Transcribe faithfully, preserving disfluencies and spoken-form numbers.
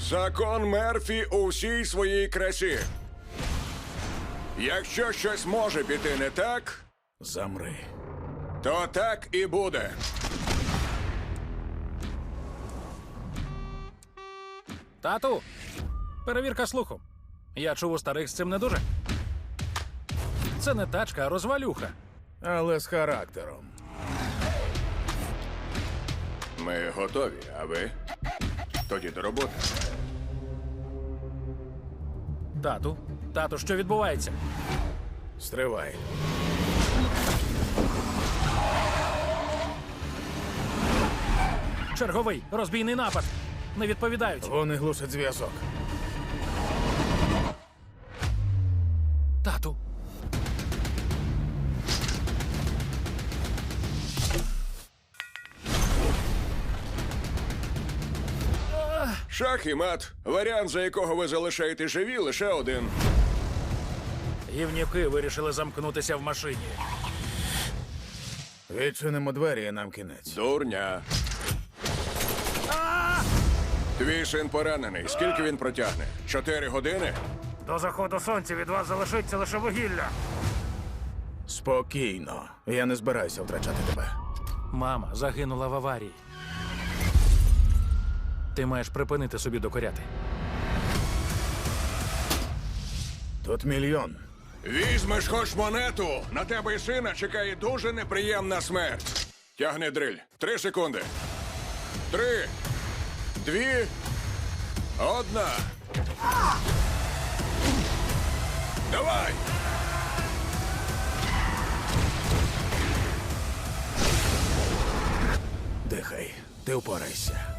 Закон Мерфі у всій своїй красі. Якщо щось може піти не так, Замри. то так і буде. Тату, перевірка слуху. Я чув, у старих з цим не дуже. Це не тачка, а розвалюха. Але з характером. Ми готові, а ви? Тоді до роботи. Тату, тату, що відбувається? Стривай. Черговий розбійний напад. Не відповідають. Вони глушать зв'язок. Тату. Шах і мат. Варіант, за якого ви залишаєте живі, лише один. Гівнюки вирішили замкнутися в машині. Відчинимо двері і нам кінець. Дурня. Твій син поранений. Скільки він протягне? Чотири години? До заходу сонця від вас залишиться лише вугілля. Спокійно. Я не збираюся втрачати тебе. Мама загинула в аварії. Ти маєш припинити собі докоряти. Тут мільйон. Візьмеш хоч монету. На тебе і сина чекає дуже неприємна смерть. Тягни дриль. Три секунди. Три. Дві. Одна. Давай! Дихай. Ти впорайся.